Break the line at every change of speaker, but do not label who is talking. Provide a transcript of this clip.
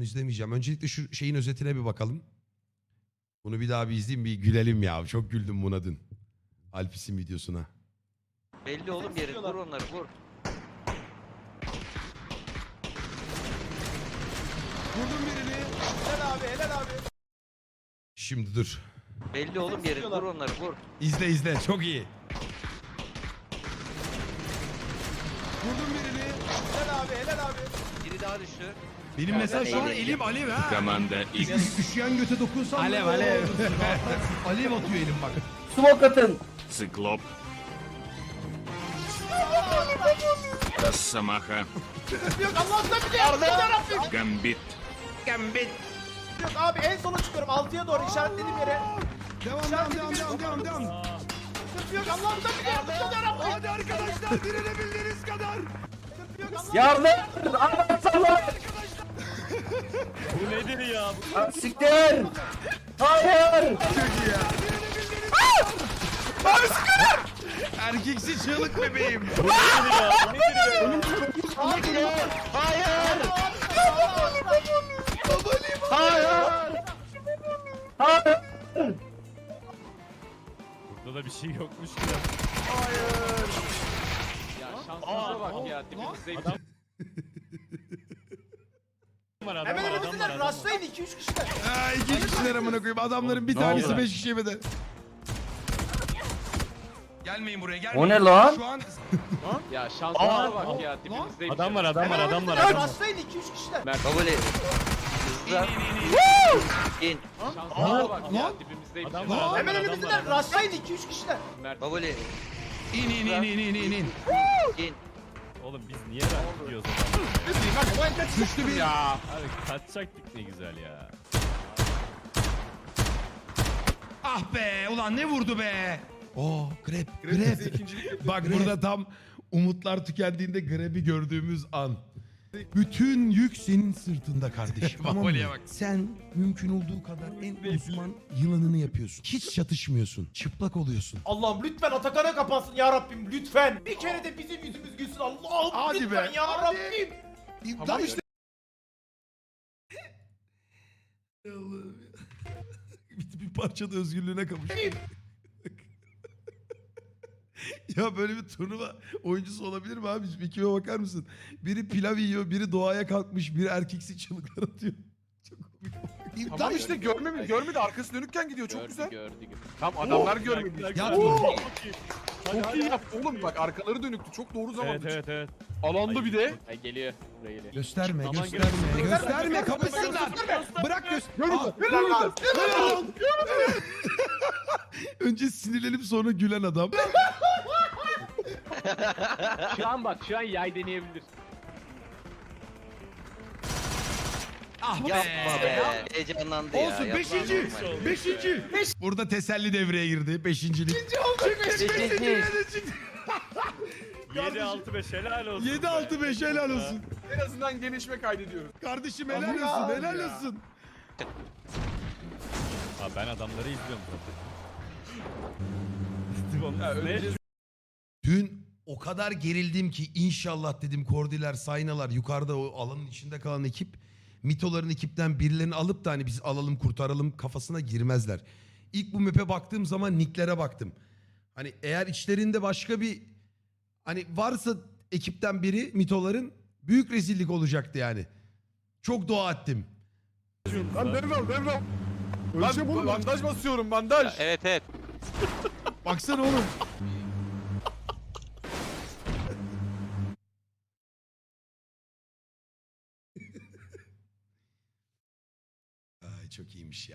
izlemeyeceğim. Öncelikle şu şeyin özetine bir bakalım. Bunu bir daha bir izleyeyim, bir gülelim ya. Çok güldüm buna dün. Alpis'in videosuna.
Belli oğlum yerin. Vur onları vur.
Vurdum birini. Helal abi, helal abi.
Şimdi dur.
Belli oğlum yerin. Vur onları vur.
İzle izle. Çok iyi.
Vurdum birini. Helal abi, helal abi.
Biri daha düştü.
Benim mesela şu an
Eğlenceli.
elim alev ha.
Команда X.
Üşüyen göte dokunsam.
Alev,
böyle
alev.
olur. Alev atıyor elim bak.
Smoke atın.
Циклоп. Росомаха.
Yok Allah'tan bir de yarabbim.
Гамбит.
Gambit.
Yok abi en sona çıkıyorum. 6'ya doğru işaretlediğim yere.
Devam.
Yok Allah'tan bir de yarabbim.
Hadi arkadaşlar, direnebildiğiniz kadar.
Yardım. Adam sallar.
Bu nedir ya?
Siktir. Hayır.
Erkeksi çığlık bebeğim.
Bu nedir ya? Bu nedir ya?
Hayır. Hayır.
Burada da bir şey yokmuş ki.
Ya şansınıza bak ya dibimizde
Adam var, adam
Hemen
var, adam var,
önümüzdeler.
adam var.
Rastlayın 2-3 kişiler.
Ha, iki kişiler amına koyayım. Adamların bir
Ne
tanesi
oldu?
5 kişiye bedel. Gelmeyin buraya, gelmeyin.
O ne lan?
Şu an
Ya şansınıza bak ya dibimizde
Adam var, adam var,
Hemen
adam var,
önümüzdeler.
adam var.
Rastlayın 2-3 kişiler.
Baboli. Hızlı. İn.
Şansınıza bak ya
Lan.
dibimizde
Adam var, adam
Hemen
var, adam var,
önümüzdeler.
adam var.
Rastlayın 2-3 kişiler.
Mert
Baboli.
in.
İn.
Oğlum biz niye gidiyoruz o zaman?
Düştü bir.
Ya. Abi kaçacaktık ne güzel ya.
Ah be, ulan ne vurdu be. Oo, grep. Bak burada tam umutlar tükendiğinde grebi gördüğümüz an. Bütün yük senin sırtında kardeşim. Tamam mı? Sen mümkün olduğu kadar en uzman yılanını yapıyorsun. Hiç çatışmıyorsun. Çıplak oluyorsun.
Allah'ım lütfen Atakan'a kapansın ya Rabbim lütfen. Bir kere de bizim yüzümüz gülsün Allah'ım
Hadi
lütfen
be,
ya
hadi.
Rabbim.
Tam işte. bir parçada özgürlüğüne kavuş. Ya böyle bir turnuva oyuncusu olabilir mi abi? Bir kime bakar mısın? Biri pilav yiyor, biri doğaya kalkmış, biri erkeksi çığlıklar atıyor. Çok komik.
Tam işte görmedi arkası dönükken gidiyor çok
gördü,
güzel.
gördü.
Tam adamlar görmedi.
Ya
Çok iyi yaptı oğlum bak arkaları dönüktü çok doğru zamanda.
Evet.
Alanda bir de.
Ay geliyor. Buraya geliyor.
Gösterme,
Aman
gösterme, gösterme, kapısınlar. Bırak göster. Önce sinirlenip sonra gülen adam.
Şu an yay deneyebilir.
Ah
Yapma be. Heyecanlandı ya.
Olsun,
Yapma.
beşinci. Burada teselli devreye girdi. Beşincilik.
7-6-5 helal olsun.
7-6-5 helal olsun.
En azından gelişme kaydediyoruz.
Kardeşim helal olsun, helal olsun.
Abi ben adamları izliyorum zaten.
Ya,
Ne?
öleceğiz.
Dün o kadar gerildim ki inşallah dedim Kordiler, Saynalar, yukarıda o alanın içinde kalan ekip mitoların ekipten birilerini alıp da hani biz alalım kurtaralım kafasına girmezler. İlk bu map'e baktığım zaman nicklere baktım. Hani eğer içlerinde başka bir hani varsa ekipten biri mitoların büyük rezillik olacaktı yani. Çok dua ettim.
Lan devral. Lan bandaj basıyorum bandaj.
Evet.
Baksana oğlum. Ay çok iyiymiş ya.